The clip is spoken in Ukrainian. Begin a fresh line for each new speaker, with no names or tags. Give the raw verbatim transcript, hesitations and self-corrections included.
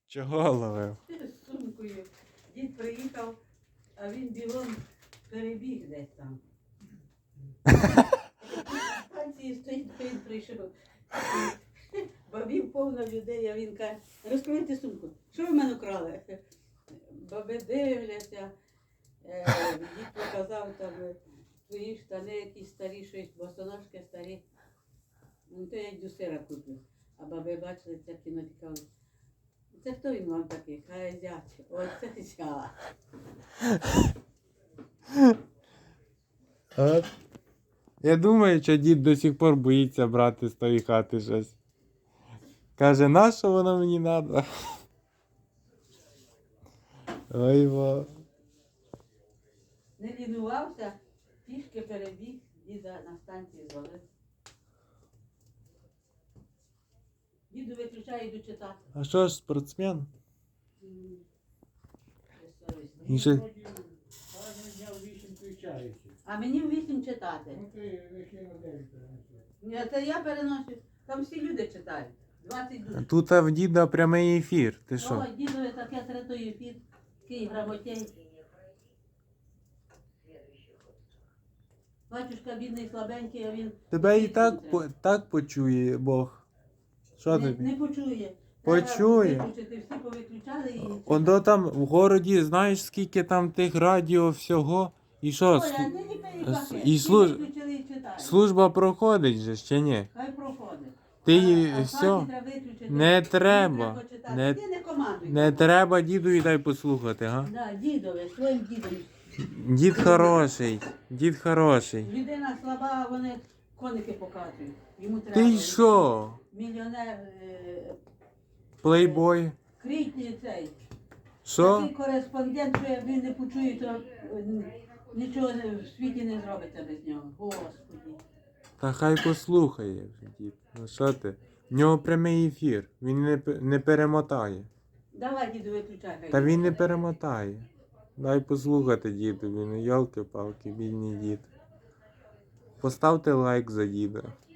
Чого ловив?
З сумкою. Дід приїхав, а він бігом перебіг десь там. Станції стоїть, він прийшов. Бабів повно людей, а він каже, розкрийте сумку. Що ви в мене крали? Баби дивляться. Е, Дід показав там твої штани якісь старі, щось, босоножки старі. Ну, то я йду сира куплю. А баби бачили це кіно, і кажуть, це хто він вам такий? Хай зять. Оце зять.
От. Я думаю, що дід до сих пор боїться брати з тої хати щось. Каже, нащо воно мені треба? Ой, бо.
Не лінувався, пішки перебіг, діда на станції звалив. Діду виключає, йду читати.
А що ж, спортсмен?
М, безсовісний.
І ще-
Кожен дня в вісім включається.
А мені в вісім читати.
Ну ти викинув дев'ять переносив.
Ні, це я переношу. Там всі люди читають. двадцять душ.
Тут в діда прямий ефір. Ти що?
О, дідове таке третої під, такий грамотей. Батюшка бідний, слабенький, а він...
Тебе і так, по- так почує Бог. Що
не,
тобі?
не почує.
Почує.
Треба виключити, всі повиключали і...
Ондо там в городі, знаєш, скільки там тих радіо всього? І що?
Оля,
слу-
не ліпи
с-
пакет.
і
Всі
служ-
виключили і читають.
Служба проходить же, ще ні?
Хай проходить.
Ти її
А- а
все.
хаті треба виключити.
Не
Мені
треба.
читати.
Не-
Ти не командуй.
Не треба дідові дай послухати, га?
Да, дідове, своїм дідом.
Дід хороший, дід хороший.
Людина слаба, вони коники показують. Йому треба.
Ти що?
Мільйонер, е,
Плейбой?
критний цей.
Що?
Такий кореспондент, що як він не почує, то е, нічого не- в світі не зробиться без нього. Господи.
Та хай послухає вже дід. Ну що ти? В нього прямий ефір. Він не, п- не перемотає.
Давай, діду, виключай. хай
Та
йде.
він не перемотає. Дай послухати дідові, ну йолки-палки, бідний дід. Поставте лайк за діда.